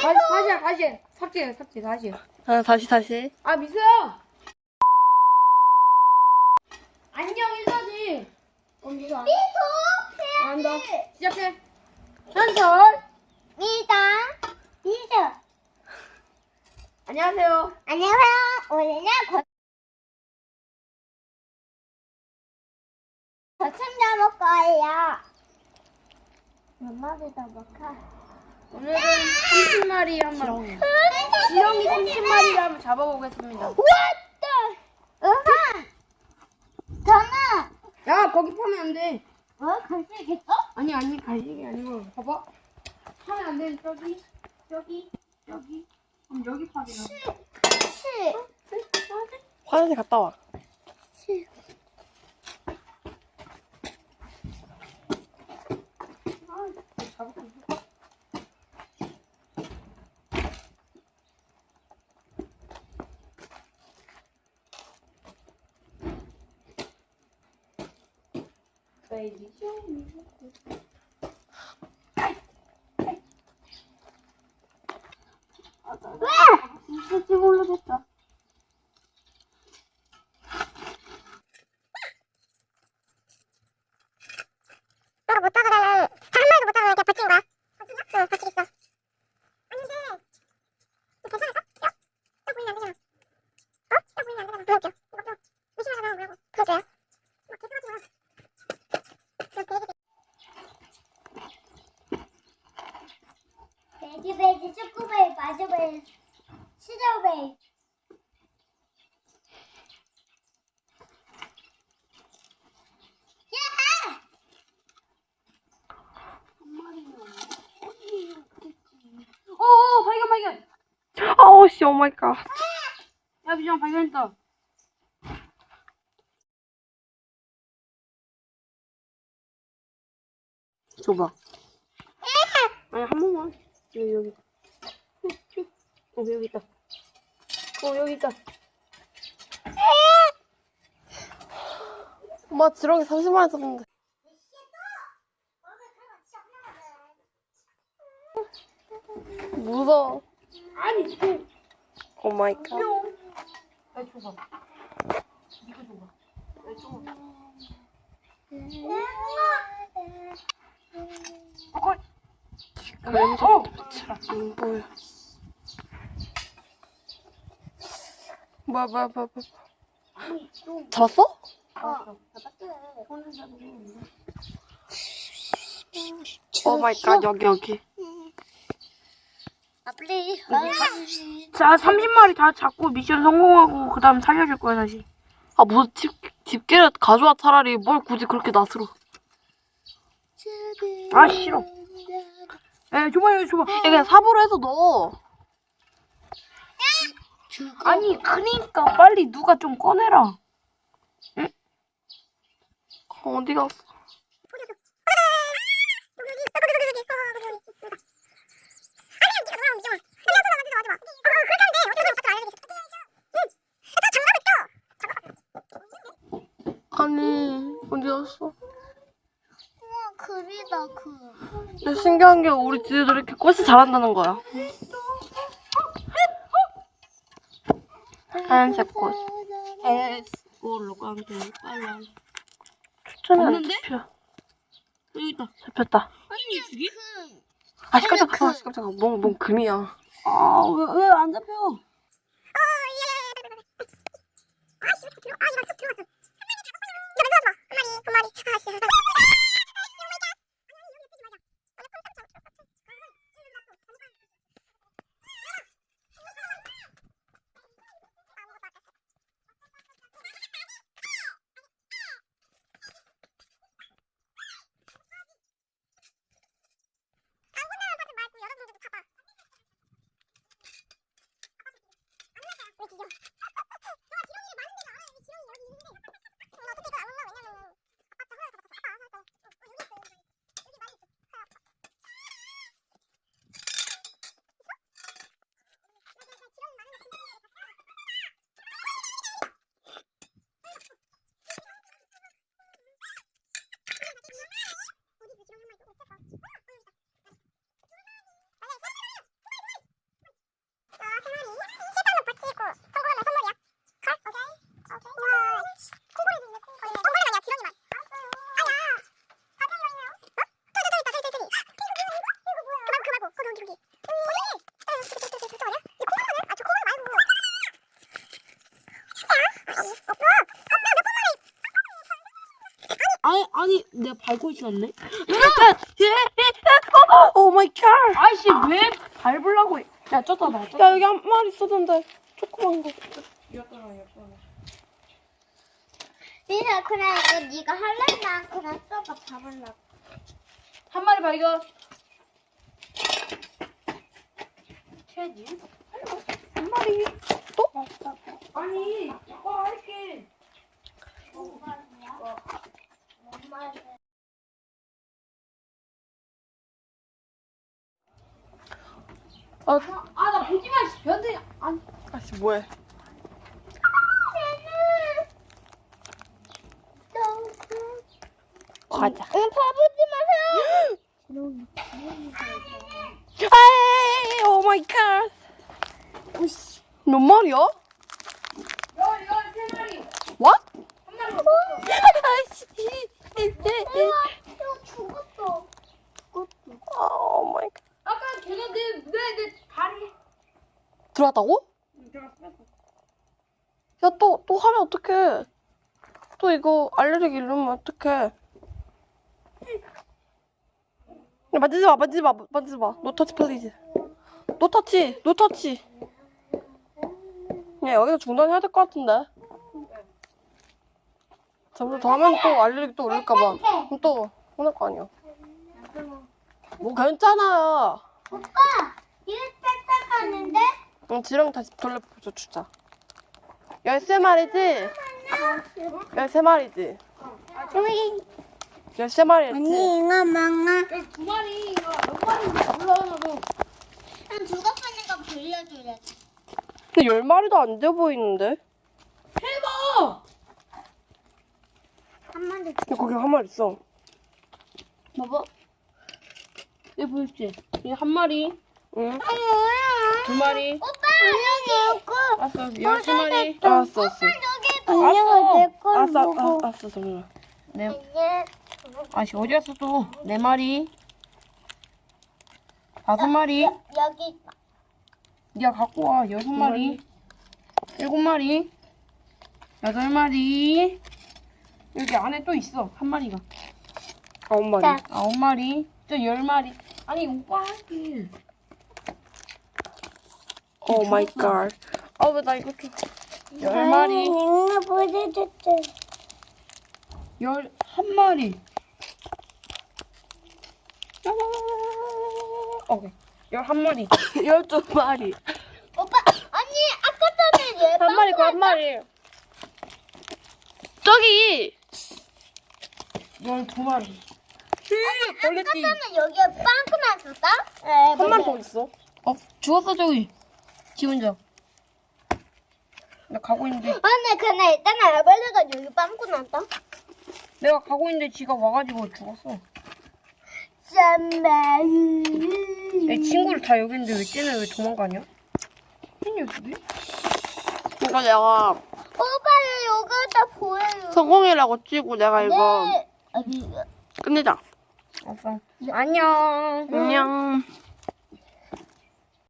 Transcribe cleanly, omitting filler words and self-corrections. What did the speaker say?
다시. 삭제, 다시. 아, 다시. 아, 미수야! 안녕, 인사지. 미수 안. 안다. 시작해. 현설. 미수. 안녕하세요. 안녕하세요. 오늘은 거참 잡을 거예요. 몇 마리 잡을까? 오늘은 30마리 한번. 지렁이 30마리를 한번 잡아보겠습니다. 왔다. 으하. 저는 야, 거기 파면 안 돼. 간식이겠어? 아니, 갈식이 아니고. 봐봐. 파면 안 돼. 저기. 그럼 여기 파세요. 화장실 갔다 와. 잡을게. 있을까? 베이비 쇼. 진짜 올라됐다. 너가 못 잡으면 한 마리도 못 잡으면 그냥 버틴 거야. 응, 버티겠어. 아닌데 이거 괜찮을까? 뼈 보이면 안 되잖아. 뼈 보이면 안 되잖아. 보여줄게요. 이거 뼈 의심하지 말고 보여줘요. 막 계속 하지 마. 돼지베이지, 축구베이, 마주베이, 시저베이. 발견. 아우, 씨, 오 마이 갓. 야, 미정 발견했다. 줘봐. 아니, 한 번만. 여기. 여기 있다. 여기 있다. 엄마, 지렁이 30마리 잡았는데. 무서워. 아니, 또. 오 마이 갓. 야, 줘봐. 이거 줘봐. 야, 줘봐. 왼쪽 붙이라. 안 보여. 뭐야. 잡았어? 오 마이 갓, 여기. 아플리. 자, 30마리 다 잡고 미션 성공하고 그 다음 살려줄 거야, 다시. 아, 무슨 집게를 가져와, 차라리. 뭘 굳이 그렇게 낯으로. 아, 싫어. 에, 줘봐. 야, 그냥 삽으로 해서 넣어. 아니, 그니까 빨리 누가 좀 꺼내라. 어디 갔어? 아니, 어디 갔어? 우와, 금이다, 금. 근데 신기한 게 우리 집도 이렇게 꽃이 자란다는 거야. 하얀색 꽃. 이걸로 까면 빨라. 추천이 안 없는데? 잡혀. 여기 있다. 잡혔다. 아니, 저기? 아, 깜짝아. 뭔 금이야. 아, 왜 안 잡혀? 내가 밟고 있었네. 오 마이 갓. 아이씨 왜 밟으려고 해? 야 쫓아 봐. 야 여기 한 마리 있었는데 조그만 거. 민아 그냥 이거 네가 할래? 난 그냥 쏘가 잡을라. 한 마리 발견. 캐지? 한 마리. 또? 아니, 이거 할게. 나 보지 마, 씨. 변태. 아니. 아씨 뭐해? 가자. 응, 봐보지 마세요. 아이 오 마이 갓. 몇 마리야? 세 마리. What? 한 마리 먹었어. 아이씨. 이거 죽었어. 오 마이 갓. 아까 걔가 내 다리. 들어왔다고? 야 또 하면 어떡해? 또 이거 알레르기 이러면 어떡해? 야, 만지지 마. 노 터치 플리즈. 노 터치. 야 여기서 중단해야 될 것 같은데. 잠깐 더 하면 또 알레르기 또 올릴까봐. 그럼 또 혼날 거 아니야. 뭐 괜찮아. 오빠, 이거 딱딱하는데? 응, 지렁이 다시 돌려줘 주자. 13마리지? 13마리지? 13마리였지? 이거 망아. 여기 두 마리가 몇 마리인지 몰라도. 난 죽었으니까 빌려주래. 근데 10마리도 안 돼 보이는데? 해봐. 한 마리. 야, 거기 한 마리 있어. 봐봐. 얘 보였지? 얘 한 마리, 응? 뭐야? 두 마리. 오빠, 여기 있고. 알았어, 13마리. 알았어. 여기 알았어, 정말. 네. 이제 아씨 어디 갔어 또? 네 마리. 5마리. 여기 네가 갖고 와. 6마리. 7마리. 8마리. 여기 안에 또 있어. 한 마리가. 9마리. 9마리. 저 10마리. 아니 오빠 할게. 오 마이 갓. 왜 나 이거 좀. 10마리. 이거 보여줬대. 11마리. 오케이. 11마리. 12마리. 오빠, 아니 아까 전에 얘 한 마리, 한 마리. 저기! 12마리. 벌레띠. 아까 전에 여기에 빵꾸 났었다? 한 마리 더 있어. 죽었어 저기. 지 혼자. 나 가고 있는데. 아니 근데 일단 알벌레가 여기 빵꾸 났다. 내가 가고 있는데 지가 와가지고 죽었어. 짠말. 내 친구를 다 여기 있는데 왜 쟤는 왜 도망가냐? 이 녀석이? 이거 내가 오빠를 여기다 보여요. 성공이라고 치고 내가 이거 네. 아니, 끝내자. 알았어. 안녕. 안녕.